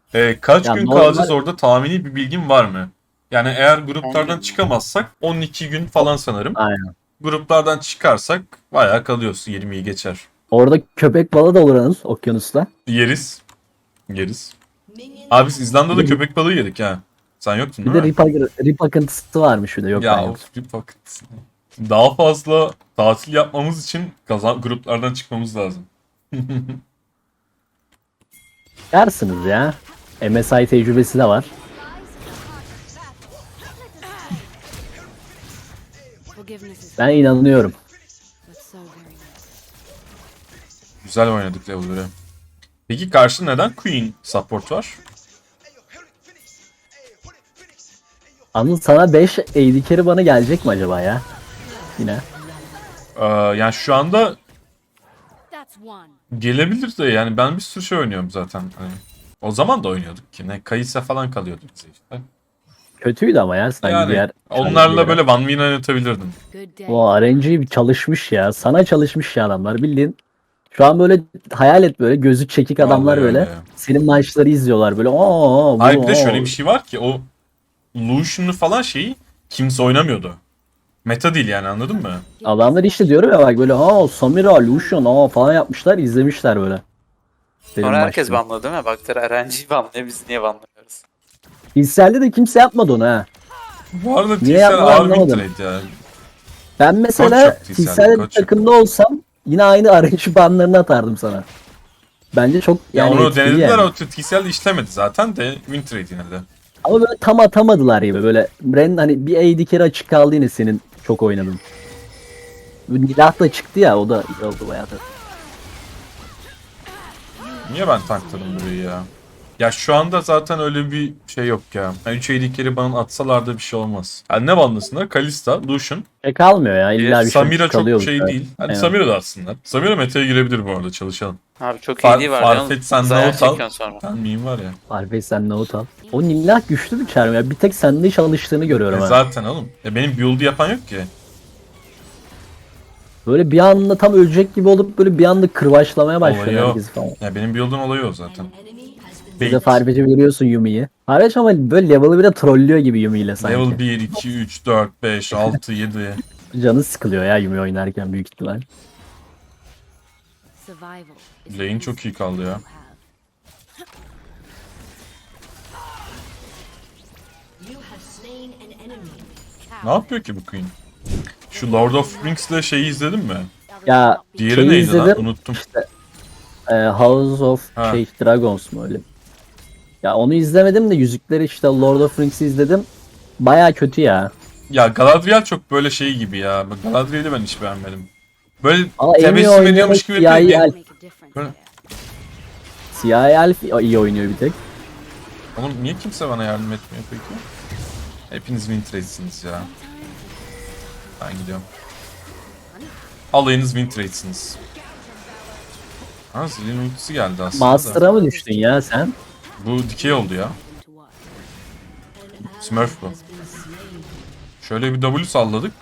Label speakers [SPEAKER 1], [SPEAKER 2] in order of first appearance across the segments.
[SPEAKER 1] Kaç
[SPEAKER 2] Ya
[SPEAKER 1] gün
[SPEAKER 2] normal
[SPEAKER 1] kalacağız orada, tahmini bir bilgin var mı? Yani eğer gruplardan çıkamazsak 12 gün falan sanırım.
[SPEAKER 2] aynen.
[SPEAKER 1] Gruplardan çıkarsak bayağı kalıyorsun, 20'yi geçer.
[SPEAKER 2] Orada köpek balığı da olur Anıl, okyanusta.
[SPEAKER 1] Yeriz. Yeriz. Abi biz
[SPEAKER 2] Bir
[SPEAKER 1] İzlanda'da
[SPEAKER 2] de,
[SPEAKER 1] köpek balığı yedik ha. Sen yoktun
[SPEAKER 2] bir
[SPEAKER 1] değil
[SPEAKER 2] de
[SPEAKER 1] mi?
[SPEAKER 2] rip akıntısı varmış bir de. Yok, ben
[SPEAKER 1] Ya
[SPEAKER 2] yoktum.
[SPEAKER 1] of, bir paket. Daha fazla tatil yapmamız için gruplardan çıkmamız lazım.
[SPEAKER 2] Yersiniz ya. MSI tecrübesi de var. Ben inanıyorum.
[SPEAKER 1] Güzel oynadık level'ları. Peki karşında neden Queen support var?
[SPEAKER 2] Anıl, sana 5 AD carry bana gelecek mi acaba ya? Yine.
[SPEAKER 1] Yani şu anda gelebilir de, yani ben bir sürü şey oynuyorum zaten. Hani, o zaman da oynuyorduk ki. Ne Kayısa falan kalıyordu bize işte.
[SPEAKER 2] Kötüydü ama ya sanki
[SPEAKER 1] Yani
[SPEAKER 2] diğer
[SPEAKER 1] onlarla
[SPEAKER 2] challenge'lara.
[SPEAKER 1] böyle one win oynatabilirdim.
[SPEAKER 2] O RNG bir çalışmış ya. Sana çalışmış ya adamlar bildiğin. Şu an böyle hayal et, böyle gözü çekik
[SPEAKER 1] Vallahi
[SPEAKER 2] adamlar
[SPEAKER 1] öyle
[SPEAKER 2] böyle.
[SPEAKER 1] ya.
[SPEAKER 2] Senin maçları izliyorlar böyle. Oo,
[SPEAKER 1] Hayır,
[SPEAKER 2] bunu
[SPEAKER 1] bir de şöyle
[SPEAKER 2] o.
[SPEAKER 1] bir şey var ki, o Lucian'lı falan şeyi kimse oynamıyordu. Meta değil yani, anladın mı?
[SPEAKER 2] Adamlar işte diyorum ya, bak böyle Samira, Lucian falan yapmışlar, izlemişler böyle. Senin
[SPEAKER 3] Sonra herkes
[SPEAKER 2] maçları.
[SPEAKER 3] banladı değil mi? Baktılar RNG'yi banlıyor, biz niye banlamıyoruz?
[SPEAKER 2] Hisselde de kimse yapmadı onu ha.
[SPEAKER 1] Bu arada
[SPEAKER 2] Niye
[SPEAKER 1] TCL
[SPEAKER 2] yapmadı
[SPEAKER 1] ağır win
[SPEAKER 2] anlamadım.
[SPEAKER 1] trade ya.
[SPEAKER 2] Ben
[SPEAKER 1] Koç
[SPEAKER 2] mesela
[SPEAKER 1] yok TCL'de,
[SPEAKER 2] Hisselde bir
[SPEAKER 1] koç yok.
[SPEAKER 2] takımda olsam yine aynı arayışı banlarını atardım sana. Bence çok
[SPEAKER 1] Ya
[SPEAKER 2] yani
[SPEAKER 1] onu
[SPEAKER 2] etkili
[SPEAKER 1] denediler,
[SPEAKER 2] yani.
[SPEAKER 1] o TCL'de işlemedi zaten de, win trade yine de.
[SPEAKER 2] Ama böyle tam atamadılar gibi, böyle Ren hani bir AD carry açık kaldı yine, senin çok oynadın. Nilah da çıktı ya, o da iyi oldu bayağı da.
[SPEAKER 1] Niye ben tankladım burayı ya? Ya şu anda zaten öyle bir şey yok ya. Yani 3 AD bana atsalar da bir şey olmaz. Yani ne bandasınlar? Kalista, Lucian.
[SPEAKER 2] Kalmıyor ya, illa bir şey
[SPEAKER 1] Samira çok
[SPEAKER 2] kalıyor.
[SPEAKER 1] şey değil. Hadi
[SPEAKER 2] Aynen.
[SPEAKER 1] Samira da atsınlar. Samira meta'ya girebilir bu arada, çalışalım.
[SPEAKER 3] Abi çok iyi var ya.
[SPEAKER 1] Farfetch sen
[SPEAKER 3] Zayiat
[SPEAKER 1] note al.
[SPEAKER 3] çekiyorsun sonra.
[SPEAKER 1] Sen miyim var ya.
[SPEAKER 2] Harbi sen note al. O Nilah güçlü bir çarm ya. Bir tek sende çalıştığını görüyorum ha.
[SPEAKER 1] Zaten oğlum. Benim build'u yapan yok ki.
[SPEAKER 2] Böyle bir anda tam ölecek gibi olup böyle bir anda kırbaçlamaya başlıyor
[SPEAKER 1] Olayı o.
[SPEAKER 2] herkesi falan.
[SPEAKER 1] Ya benim build'un olayı o zaten.
[SPEAKER 2] Bir de
[SPEAKER 1] Bait.
[SPEAKER 2] Farfetch'i görüyorsun Yumi'yi. Farfetch ama böyle level'ı bir de trollüyor gibi Yumi ile sanki.
[SPEAKER 1] Level 1, 2, 3, 4, 5, 6, 7.
[SPEAKER 2] Canı sıkılıyor ya Yumi oynarken büyük ihtimal.
[SPEAKER 1] Lane çok iyi kaldı ya. Ne yapıyor ki bu Queen? Şu Lord of Rings'le şeyi izledin mi?
[SPEAKER 2] Ya
[SPEAKER 1] Diğeri
[SPEAKER 2] şeyi
[SPEAKER 1] neydi lan?
[SPEAKER 2] izledim.
[SPEAKER 1] Unuttum.
[SPEAKER 2] House of
[SPEAKER 1] Ha.
[SPEAKER 2] Dragons mu öyle? Ya onu izlemedim de Yüzükleri, işte Lord of Rings'i izledim. Baya kötü ya.
[SPEAKER 1] Ya Galadriel çok böyle şey gibi ya. Bak, Galadriel'i ben hiç beğenmedim. Böyle
[SPEAKER 2] Ama en iyi
[SPEAKER 1] tebessüm
[SPEAKER 2] oynayan
[SPEAKER 1] ediyormuş gibi
[SPEAKER 2] siyahi
[SPEAKER 1] yapıyor.
[SPEAKER 2] elf.
[SPEAKER 1] Böyle-
[SPEAKER 2] Siyahi elf iyi oynuyor bir tek.
[SPEAKER 1] Oğlum niye kimse bana yardım etmiyor peki? Hepiniz win trade'siniz ya. Ben gidiyorum. Alayınız win trade'siniz. Ha, Zill'in ultisi geldi aslında da.
[SPEAKER 2] Master'a mı düştün ya sen?
[SPEAKER 1] Bu dikey oldu ya. Smurf bu. Şöyle bir W salladık.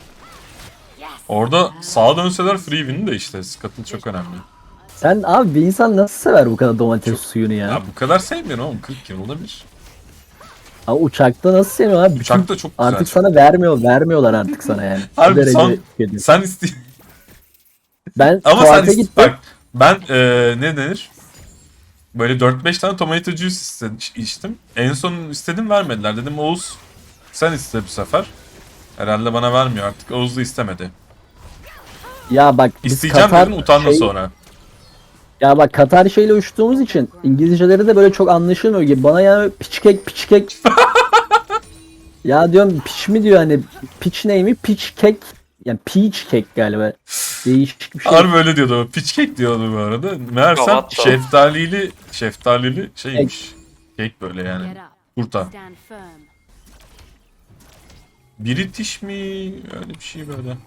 [SPEAKER 1] Orada sağa dönseler free win de işte. Scuttle çok önemli.
[SPEAKER 2] Sen abi, bir insan nasıl sever bu kadar domates suyunu ya?
[SPEAKER 1] Ya bu kadar sevmiyorum oğlum. 40 yılda bir.
[SPEAKER 2] Abi uçakta nasıl seviyor abi?
[SPEAKER 1] Uçak da çok güzel.
[SPEAKER 2] Artık sana vermiyorlar artık sana yani. O
[SPEAKER 1] Harbi
[SPEAKER 2] derece
[SPEAKER 1] son
[SPEAKER 2] kötü.
[SPEAKER 1] sen iste
[SPEAKER 2] Ben
[SPEAKER 1] ama sen
[SPEAKER 2] tuvalete gittim.
[SPEAKER 1] bak, ben ne denir? Böyle 4-5 tane tomato juice içtim. En son istedim, vermediler. Dedim Oğuz sen iste bu sefer. Herhalde bana vermiyor artık. Oğuz da istemedi.
[SPEAKER 2] Ya bak biz
[SPEAKER 1] İsteyeceğim
[SPEAKER 2] Katar
[SPEAKER 1] dedin, utandın sonra.
[SPEAKER 2] ya bak Katar şeyle uçtuğumuz için İngilizceleri de böyle çok anlaşılmıyor gibi. Bana yani piç kek. Ya diyorum piç mi diyor, hani piç neymi? Piç kek. Yani peach kek galiba. Değişik bir şey.
[SPEAKER 1] Harbi öyle diyordu o. Pitch cake diyordu bu arada. Meğersem
[SPEAKER 3] Gavat da.
[SPEAKER 1] şeftalili şeymiş. Cake böyle yani. Kurta. British mi? Öyle bir şey böyle.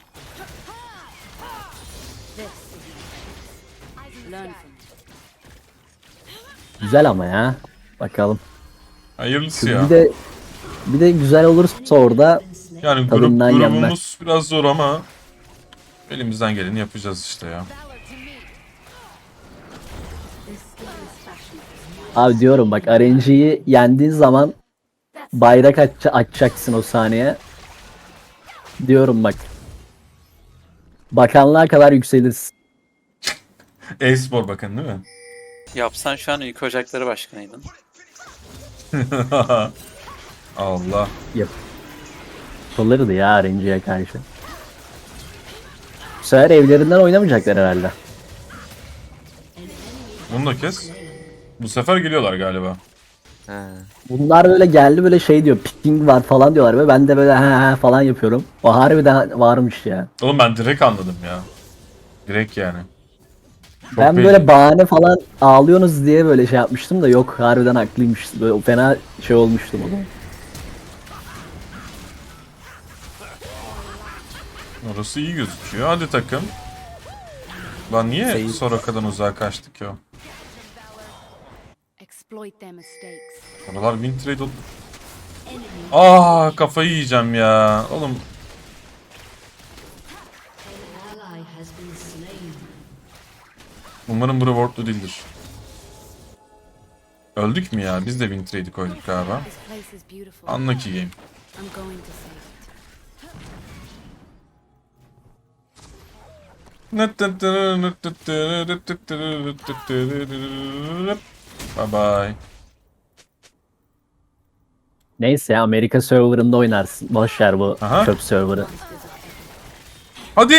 [SPEAKER 2] Güzel ama ya. Bakalım.
[SPEAKER 1] Hayırlısı ya.
[SPEAKER 2] Bir de güzel olursa orada
[SPEAKER 1] Yani
[SPEAKER 2] tadından yenmez.
[SPEAKER 1] grubumuz biraz zor ama elimizden geleni yapacağız işte ya.
[SPEAKER 2] Abi diyorum bak RNG'yi yendiğin zaman bayrak açacaksın o saniye. Diyorum bak. Bakanlığa kadar yükselirsin.
[SPEAKER 1] E-spor bakanı değil mi?
[SPEAKER 3] Yapsan şu an Ülke Ocakları Başkanıydın.
[SPEAKER 1] Allah.
[SPEAKER 2] Yapılırdı ya RNG'ye karşı. Bu sefer evlerinden oynamayacaklar herhalde.
[SPEAKER 1] Bunu da kes. Bu sefer geliyorlar galiba.
[SPEAKER 2] Bunlar böyle geldi böyle şey diyor picking var falan diyorlar ve ben de böyle he falan yapıyorum. O harbiden varmış ya.
[SPEAKER 1] Oğlum ben direkt anladım ya. Direkt yani. Çok
[SPEAKER 2] Ben
[SPEAKER 1] belli.
[SPEAKER 2] böyle bahane falan ağlıyorsunuz diye böyle şey yapmıştım da yok harbiden haklıymış. Böyle fena şey olmuştum o zaman.
[SPEAKER 1] Orası iyi gözüküyor. Hadi takım. Lan niye
[SPEAKER 2] Seyir.
[SPEAKER 1] Soraka'dan uzağa kaçtık ya?
[SPEAKER 4] Exploit their mistakes.
[SPEAKER 1] Oralar win trade oldu. Aa kafayı yiyeceğim ya. Oğlum
[SPEAKER 4] Ally has been slain.
[SPEAKER 1] umarım bu rewardlu değildir. Öldük mü ya? Biz de win trade'i koyduk galiba.
[SPEAKER 4] This place is beautiful.
[SPEAKER 1] Unlucky game.
[SPEAKER 4] I'm going to save it.
[SPEAKER 1] Bye bye.
[SPEAKER 2] Neyse ya Amerika serverında oynarsın. Boş ver bu
[SPEAKER 1] Aha.
[SPEAKER 2] çöp serverı.
[SPEAKER 1] Hadi.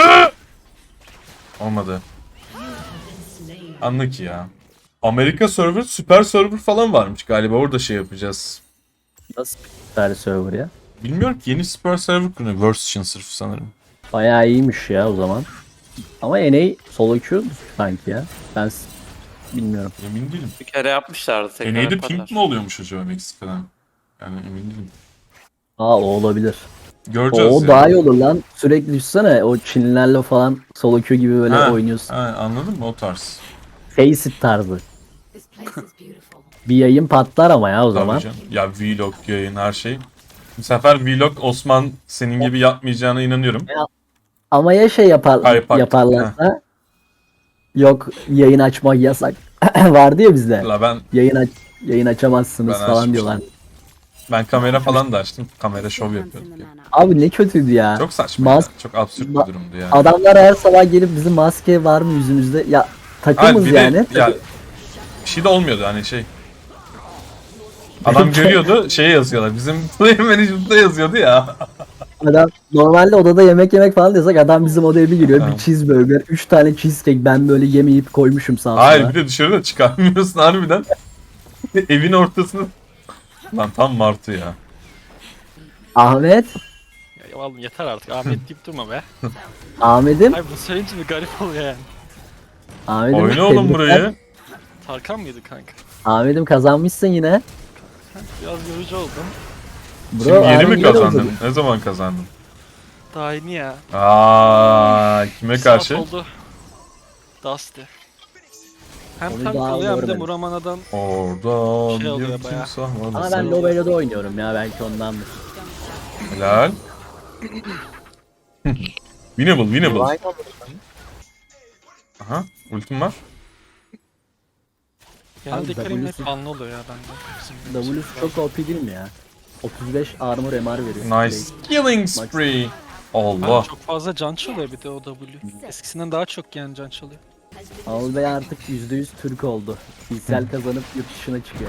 [SPEAKER 1] Olmadı. Unlucky ya. Amerika server, süper server falan varmış galiba. Orada şey yapacağız.
[SPEAKER 2] Nasıl bir server ya?
[SPEAKER 1] Bilmiyorum ki yeni süper server kuruyor. Version sırf sanırım.
[SPEAKER 2] Bayağı iyiymiş ya o zaman. Ama NA solo queue sanki ya. Bilmiyorum.
[SPEAKER 1] Emin değilim.
[SPEAKER 3] Bir kere yapmışlardı tekrar
[SPEAKER 1] NA'de
[SPEAKER 3] yaparlar.
[SPEAKER 1] ping mi oluyormuş acaba Meksika'dan? Yani emin değilim.
[SPEAKER 2] Aa o olabilir.
[SPEAKER 1] Göreceğiz
[SPEAKER 2] O
[SPEAKER 1] ya.
[SPEAKER 2] daha iyi olur lan. Sürekli düşsene o Çinlilerle falan solo queue gibi böyle
[SPEAKER 1] Ha,
[SPEAKER 2] oynuyorsun.
[SPEAKER 1] ha, anladın mı o tarz?
[SPEAKER 2] Face it tarzı.
[SPEAKER 4] This place is beautiful.
[SPEAKER 2] Bir yayın patlar ama ya o zaman.
[SPEAKER 1] Tabii canım. Ya vlog, yayın her şey. Bu sefer vlog Osman senin gibi yapmayacağına inanıyorum.
[SPEAKER 2] Ama ya şey
[SPEAKER 1] Hype
[SPEAKER 2] yaparlarsa yok yayın açmak yasak. Vardı ya bizde.
[SPEAKER 1] La ben
[SPEAKER 2] Yayın açamazsınız
[SPEAKER 1] Ben
[SPEAKER 2] falan
[SPEAKER 1] açmıştım.
[SPEAKER 2] diyorlar.
[SPEAKER 1] kamera falan da açtım. Kamera şov yapıyorduk ya.
[SPEAKER 2] Abi ne kötüydü ya.
[SPEAKER 1] Çok saçma ya.
[SPEAKER 2] Mas-
[SPEAKER 1] Çok absürt bir
[SPEAKER 2] ma-
[SPEAKER 1] durumdu yani.
[SPEAKER 2] Adamlar her sabah gelip bizim maske var mı yüzümüzde? Ya
[SPEAKER 1] Hayır,
[SPEAKER 2] takımız
[SPEAKER 1] bir de
[SPEAKER 2] yani.
[SPEAKER 1] ya bir şey de olmuyordu hani şey. Adam görüyordu şeye yazıyorlar. Bizim player management'ta yazıyordu ya.
[SPEAKER 2] Adam normalde odada yemek yemek falan diyorsak adam bizim odaya bir giriyor.
[SPEAKER 1] Tamam.
[SPEAKER 2] Bir cheeseburger, 3 tane cheesecake ben böyle yemeyip koymuşum sağa sola.
[SPEAKER 1] Hayır bir de dışarıda çıkarmıyorsun harbiden. Evin ortasına. Lan tam martı ya.
[SPEAKER 2] Ahmet,
[SPEAKER 5] Ya vallahi yeter artık Ahmet deyip durma be.
[SPEAKER 2] Ahmet'im,
[SPEAKER 5] Ay bu söyleyince bir garip oluyor yani.
[SPEAKER 2] Ahmet'im.
[SPEAKER 1] Oyna oğlum
[SPEAKER 2] tebrikler.
[SPEAKER 1] burayı.
[SPEAKER 5] Tarkan mıydı kanka?
[SPEAKER 2] Ahmet'im kazanmışsın yine.
[SPEAKER 5] Biraz yorucu oldum.
[SPEAKER 2] Bro,
[SPEAKER 1] Şimdi yeni
[SPEAKER 2] Ahmet
[SPEAKER 1] mi
[SPEAKER 2] güzel oldu.
[SPEAKER 1] kazandın? Ne zaman kazandın?
[SPEAKER 5] Daha yeni ya.
[SPEAKER 1] Aa, kime
[SPEAKER 5] Bir saat
[SPEAKER 1] karşı?
[SPEAKER 5] oldu. Dusty. Hem
[SPEAKER 2] Onu
[SPEAKER 5] tank
[SPEAKER 2] daha
[SPEAKER 5] oluyor hem de
[SPEAKER 2] görmedim.
[SPEAKER 5] Muramana'dan
[SPEAKER 1] Oradan
[SPEAKER 5] Şey oluyor
[SPEAKER 1] bir
[SPEAKER 5] bayağı.
[SPEAKER 1] timsah var.
[SPEAKER 2] Ama
[SPEAKER 1] Sen-
[SPEAKER 2] ben Lobelo'da oynuyorum ya belki ondandır.
[SPEAKER 1] Helal. Winnable, winnable. Aha, ultim var.
[SPEAKER 5] genelde Karim hep
[SPEAKER 2] W'su
[SPEAKER 5] anlı oluyor ya bende. Bizim
[SPEAKER 2] W'su çok OP değil mi ya? 35 armor MR veriyor.
[SPEAKER 1] Nice. Killing spree. Allah.
[SPEAKER 5] Çok fazla can çalıyor bir de o W. Eskisinden daha çok yani can çalıyor.
[SPEAKER 2] Anıl Bey artık %100 Türk oldu. Fiziksel kazanıp yurt dışına çıkıyor.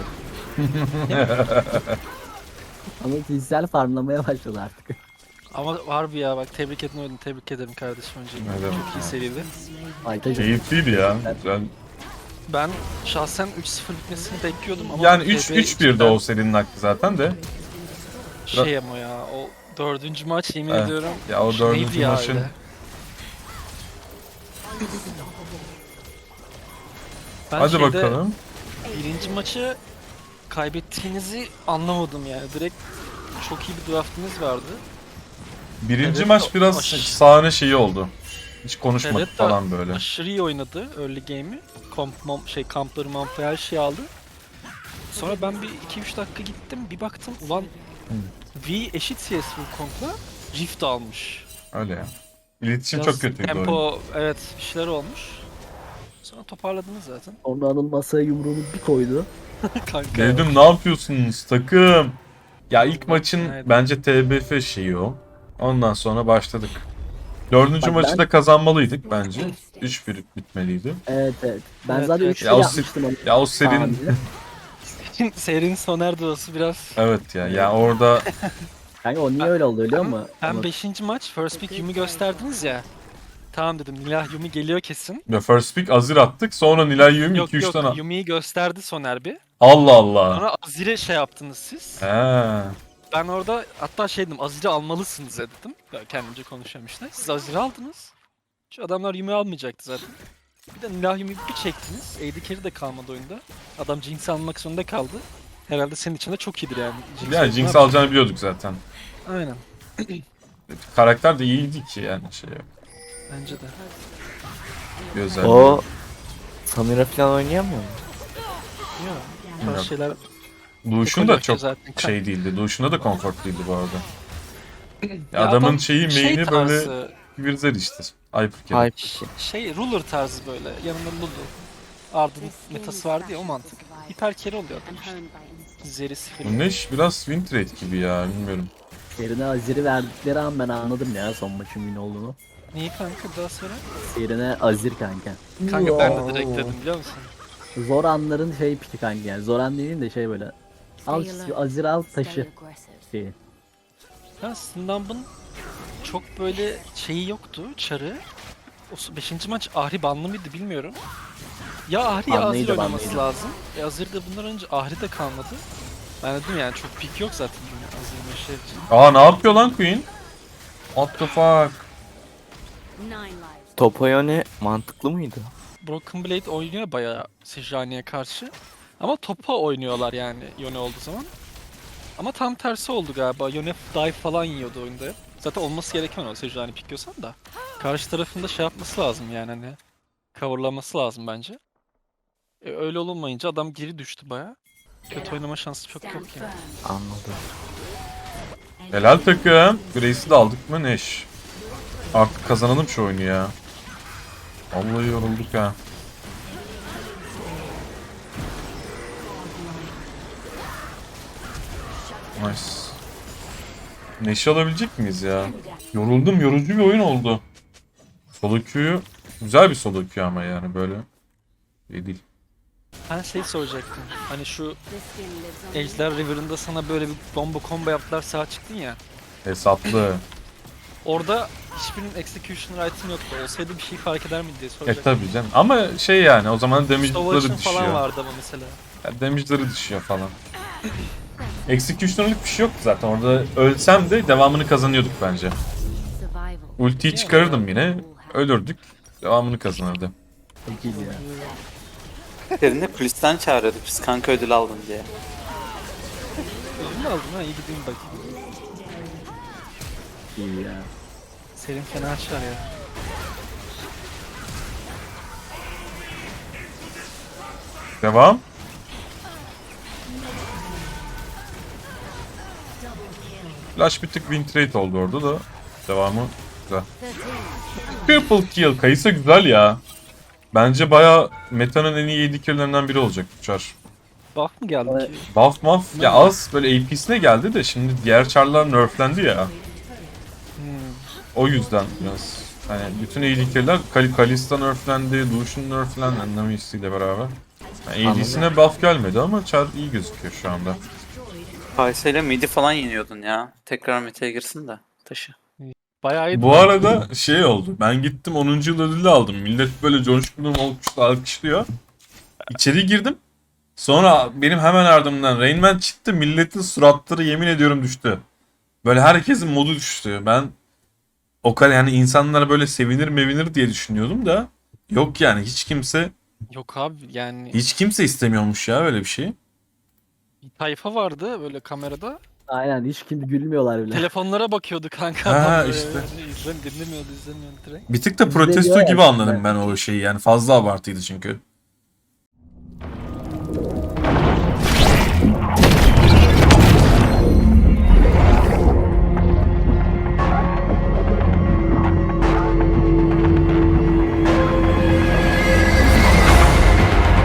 [SPEAKER 2] Anıl fiziksel farmlamaya başladı artık.
[SPEAKER 5] Ama harbi ya bak tebrik etmedim tebrik ederim kardeşim önce.
[SPEAKER 1] Evet.
[SPEAKER 5] Çok iyi seriydi.
[SPEAKER 2] Aytacım.
[SPEAKER 1] Keyifliydi ya. Güzel.
[SPEAKER 5] Ben şahsen 3-0 bitmesini bekliyordum ama
[SPEAKER 1] Yani
[SPEAKER 5] TB
[SPEAKER 1] 3-1'de o serinin hakkı zaten de.
[SPEAKER 5] Şey ama ya o dördüncü maç yemin
[SPEAKER 1] Evet.
[SPEAKER 5] ediyorum.
[SPEAKER 1] Ya o
[SPEAKER 5] neydi
[SPEAKER 1] dördüncü
[SPEAKER 5] ya
[SPEAKER 1] maçın.
[SPEAKER 5] öyle? Ben
[SPEAKER 1] Hadi
[SPEAKER 5] şeyde
[SPEAKER 1] bakalım.
[SPEAKER 5] birinci maçı kaybettiğinizi anlamadım yani. Direkt çok iyi bir draftınız vardı.
[SPEAKER 1] Birinci
[SPEAKER 5] Evet,
[SPEAKER 1] maç biraz sahne şeyi oldu. Hiç konuşmadık
[SPEAKER 5] Evet de
[SPEAKER 1] falan böyle.
[SPEAKER 5] aşırı iyi oynadı early game'i. Kampları mampı her şeyi aldı. Sonra ben bir 2-3 dakika gittim bir baktım ulan V eşit CS Wukong'la Rift almış.
[SPEAKER 1] Öyle ya. İletişim
[SPEAKER 5] Biraz
[SPEAKER 1] çok kötüydü oyun.
[SPEAKER 5] tempo evet bir şeyler olmuş. Sonra toparladınız zaten.
[SPEAKER 2] Sonra Anıl masaya yumruğunu bir koydu.
[SPEAKER 5] Kanka.
[SPEAKER 1] Dedim ne yapıyorsunuz takım? Ya ilk maçın
[SPEAKER 5] Evet.
[SPEAKER 1] bence TBF şeyi o. Ondan sonra başladık. Dördüncü
[SPEAKER 2] Bak
[SPEAKER 1] maçı
[SPEAKER 2] ben-
[SPEAKER 1] da kazanmalıydık bence. 3-1 bitmeliydi.
[SPEAKER 2] Evet evet. Ben
[SPEAKER 5] Evet,
[SPEAKER 2] zaten
[SPEAKER 5] evet.
[SPEAKER 2] 3
[SPEAKER 1] Ya o,
[SPEAKER 2] yapmıştım onu.
[SPEAKER 1] ya o serin...
[SPEAKER 2] tahmini.
[SPEAKER 5] Serinin Soner duosu biraz...
[SPEAKER 1] Evet ya orada
[SPEAKER 2] Kanka o niye öyle oldu biliyor musun?
[SPEAKER 5] Ben
[SPEAKER 2] Ama
[SPEAKER 5] 5. maç First Pick Yumi gösterdiniz ya. Tamam dedim Nilah Yumi geliyor kesin.
[SPEAKER 1] ya first pick Azir attık, sonra Nilay Yumi
[SPEAKER 5] Yok
[SPEAKER 1] 2-3
[SPEAKER 5] yok
[SPEAKER 1] tane...
[SPEAKER 5] Yumi'yi gösterdi Soner bir.
[SPEAKER 1] Allah Allah.
[SPEAKER 5] Sonra Azir'e şey yaptınız siz.
[SPEAKER 1] He.
[SPEAKER 5] Ben orada hatta şey dedim Azir'i almalısınız dedim. Ya kendimce konuşuyorum işte. Siz Azir'i aldınız. Şu adamlar Yumi almayacaktı zaten. Bir de Nilah Yumi'yi bir çektiniz. AD carry de kalmadı oyunda. Adam Jinx almak zorunda kaldı. Herhalde senin için de çok iyidir yani.
[SPEAKER 1] Ya
[SPEAKER 5] oyunu
[SPEAKER 1] Jinx
[SPEAKER 5] ne
[SPEAKER 1] alacağını biliyorduk zaten.
[SPEAKER 5] yapacak? Aynen.
[SPEAKER 1] Karakter de iyiydi ki yani şey yok.
[SPEAKER 5] Bence de.
[SPEAKER 1] Bir özelliği
[SPEAKER 6] O
[SPEAKER 1] yok.
[SPEAKER 6] Samira falan oynayamıyor mu?
[SPEAKER 5] Yok.
[SPEAKER 1] Bilmiyorum.
[SPEAKER 5] Bazı şeyler
[SPEAKER 1] Duşun da
[SPEAKER 5] Ekoloji
[SPEAKER 1] çok
[SPEAKER 5] zaten.
[SPEAKER 1] şey değildi. Duşunda da konfortluydu bu arada. Ya
[SPEAKER 5] Ya
[SPEAKER 1] adamın
[SPEAKER 5] adam
[SPEAKER 1] şeyi
[SPEAKER 5] şey
[SPEAKER 1] main'i böyle
[SPEAKER 5] tarzı,
[SPEAKER 1] Virzel işte. Hypercarry.
[SPEAKER 6] Hype işi.
[SPEAKER 5] şey ruler tarzı böyle. Yanında Lulu. Ardın metası vardı ya o mantık. Hiper carry oluyor adam
[SPEAKER 4] And
[SPEAKER 5] işte.
[SPEAKER 4] honed by instinct.
[SPEAKER 5] Zerisi
[SPEAKER 1] Bu
[SPEAKER 5] falan.
[SPEAKER 1] Neş biraz win trade gibi ya, bilmiyorum.
[SPEAKER 2] yerine Azir'i verdikleri an ben anladım ya son maçın win olduğunu.
[SPEAKER 5] Niye kanka daha sonra?
[SPEAKER 2] Yerine Azir kanka.
[SPEAKER 5] Kanka ben de direkt dedim biliyor musun?
[SPEAKER 2] Zor anların şey piki kanka yani. Zor an demeyeyim de şey böyle. Al Azir al
[SPEAKER 4] Stay
[SPEAKER 2] taşı
[SPEAKER 4] aggressive.
[SPEAKER 2] şeyi.
[SPEAKER 5] Ya Sindamb'ın çok böyle şeyi yoktu, çarı. O 5. maç Ahri banlı mıydı bilmiyorum. Ya Ahri ya Azir
[SPEAKER 2] Banlıydı,
[SPEAKER 5] oynaması
[SPEAKER 2] banlıydı.
[SPEAKER 5] lazım. Azir de bundan önce Ahri de kalmadı. Ben dedim yani çok pik yok zaten Azir'in şey için.
[SPEAKER 1] Aa ne yapıyor lan Queen? What the fuck?
[SPEAKER 4] 9 lives.
[SPEAKER 6] Topoyone mantıklı mıydı?
[SPEAKER 5] Broken Blade oynuyor bayağı Sejuani'ye karşı. Ama topa oynuyorlar yani Yone olduğu zaman. Ama tam tersi oldu galiba. Yone dive falan yiyordu oyunda. Zaten olması gereken o Sejuani pikliyorsan da. Karşı tarafında şey yapması lazım yani hani. Coverlaması lazım bence. Öyle olunmayınca adam geri düştü bayağı. Kötü oynama şansı çok yok
[SPEAKER 4] Stand
[SPEAKER 5] yani.
[SPEAKER 4] firm.
[SPEAKER 6] Anladım.
[SPEAKER 1] Helal takım. Grace'i de aldık mı Neş? Artık kazanalım şu oyunu ya. Vallahi yorulduk ha. Nice. Neş'i alabilecek miyiz ya? Yoruldum, yorucu bir oyun oldu. Solo queue'yu güzel bir solo queue ama yani böyle iyi değil.
[SPEAKER 5] Ben şey soracaktım. Hani şu
[SPEAKER 4] This skin lives on.
[SPEAKER 5] Ejder River'ında sana böyle bir bomba combo yaptılar sağa çıktın ya.
[SPEAKER 1] Hesaplı.
[SPEAKER 5] Orada hiçbirinin execution right'ın yoktu. Olsaydı bir şey fark eder miydi diye soracaktım.
[SPEAKER 1] Tabii canım. Ama şey yani o zaman
[SPEAKER 5] Stovaç'ın
[SPEAKER 1] damage'ları
[SPEAKER 5] falan
[SPEAKER 1] düşüyor.
[SPEAKER 5] vardı ama mesela.
[SPEAKER 1] Ya damage'ları düşüyor falan. Executioner'lık bir şey yoktu zaten. Orada ölsem de devamını kazanıyorduk bence.
[SPEAKER 4] Survival.
[SPEAKER 1] Ultiyi çıkarırdım yine. Ölürdük. Devamını kazanırdı.
[SPEAKER 2] Çok iyi ya.
[SPEAKER 3] Derinde kulisten çağırıyorduk biz kanka ödül aldın diye.
[SPEAKER 5] Ödül mü aldın ha? İyi gideyim bakayım.
[SPEAKER 2] İyi ya.
[SPEAKER 5] Serin fena açar ya.
[SPEAKER 1] Devam. Flash bir tık win trade oldu orada da. Devamı güzel.
[SPEAKER 4] 13.
[SPEAKER 1] Triple kill. Kayısı güzel ya. Bence baya meta'nın en iyi 7 kill'lerinden biri olacak uçar.
[SPEAKER 5] Buff mı geldi
[SPEAKER 2] Evet.
[SPEAKER 5] ki?
[SPEAKER 1] Buff muff ya az böyle AP'sine geldi de şimdi diğer char'lar nerflendi ya.
[SPEAKER 5] Hmm.
[SPEAKER 1] O yüzden biraz. Hani bütün AD kill'ler Kalista nerflendi, Lucian nerflendi Anamisi ile beraber. Yani AD'sine buff gelmedi ama char iyi gözüküyor şu anda.
[SPEAKER 3] Kaysa ile midi falan yeniyordun ya. Tekrar meta'ya girsin de taşı.
[SPEAKER 5] Bayağı iyi.
[SPEAKER 1] Bu arada şey oldu. Ben gittim 10. yıl ödülü aldım. Millet böyle coşkulu alkışlıyor. İçeri girdim. Sonra benim hemen ardımdan Rain Man çıktı. Milletin suratları yemin ediyorum düştü. Böyle herkesin modu düştü. Ben o kadar yani insanlar böyle sevinir mevinir diye düşünüyordum da yok yani
[SPEAKER 5] Yok abi yani
[SPEAKER 1] hiç kimse istemiyormuş ya öyle bir şey.
[SPEAKER 5] bir tayfa vardı böyle kamerada.
[SPEAKER 2] Aynen hiç kim gülmüyorlar bile.
[SPEAKER 5] Telefonlara bakıyordu kanka.
[SPEAKER 1] Ha,
[SPEAKER 5] adam böyle.
[SPEAKER 1] işte.
[SPEAKER 5] Dinlemiyordu direkt.
[SPEAKER 1] Bir tık da
[SPEAKER 2] Bizde
[SPEAKER 1] protesto
[SPEAKER 2] diyor ya
[SPEAKER 1] gibi
[SPEAKER 2] işte.
[SPEAKER 1] anladım ben o şeyi yani fazla abartıydı çünkü.